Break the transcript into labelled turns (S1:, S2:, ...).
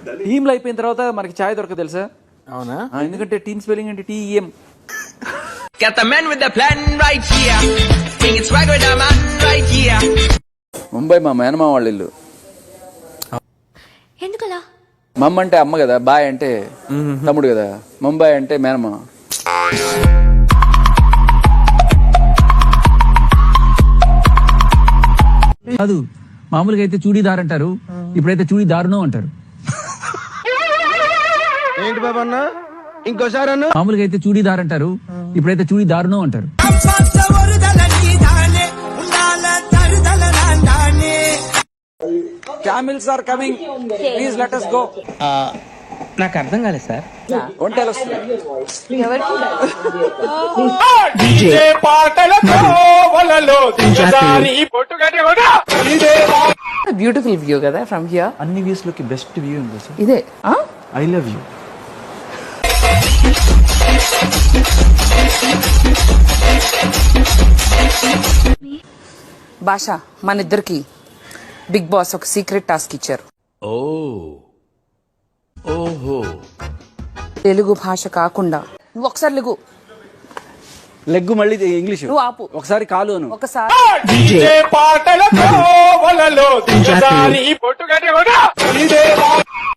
S1: టీంలో అయిపోయిన తర్వాత మనకి ఛాయ్ దొరకదు తెలుసా?
S2: అవునా?
S1: ఎందుకంటే టీమ్ స్పెల్లింగ్ అంటే TM.
S3: Got the man with the plan right here. King it's right with the man right here.
S1: Mumbai మా మేనమా వాళ్ళ ఇల్లు.
S4: ఎందుకలా?
S1: మమ్మ అంటే అమ్మ కదా, బాయ్ అంటే తమ్ముడు కదా, ముంబై అంటే మేనమా.
S5: కాదు, మామూలుగా అయితే చూడీదార్ అంటారు, ఇప్పుడైతే చూడీదారును అంటారు.
S2: ఏంటి బాబా అన్న, ఇంకోసారి అన్న.
S5: మామూలుగా అయితే చూడీదార్ అంటారు, ఇప్పుడైతే చూడీదారును అంటారు.
S1: Camels are coming. Please let us go.
S3: నాకు అర్థం కాలేదు సార్.
S1: ఒంటెలు వస్తుంది.
S6: బ్యూటిఫుల్ వ్యూ కదా ఫ్రమ్ హియర్.
S1: అన్ని వ్యూస్ లోకి బెస్ట్ వ్యూ ఉంది సార్
S6: ఇదే.
S1: I love you.
S6: భాష మన ఇద్దరికి బిగ్ బాస్ ఒక సీక్రెట్ టాస్క్ ఇచ్చారు. తెలుగు భాష కాకుండా నువ్వు ఒకసారి
S1: లెగ్గు మళ్ళీ ఇంగ్లీష్.
S6: నువ్వు ఆపు.
S1: ఒకసారి కాలు అను.
S6: ఒకసారి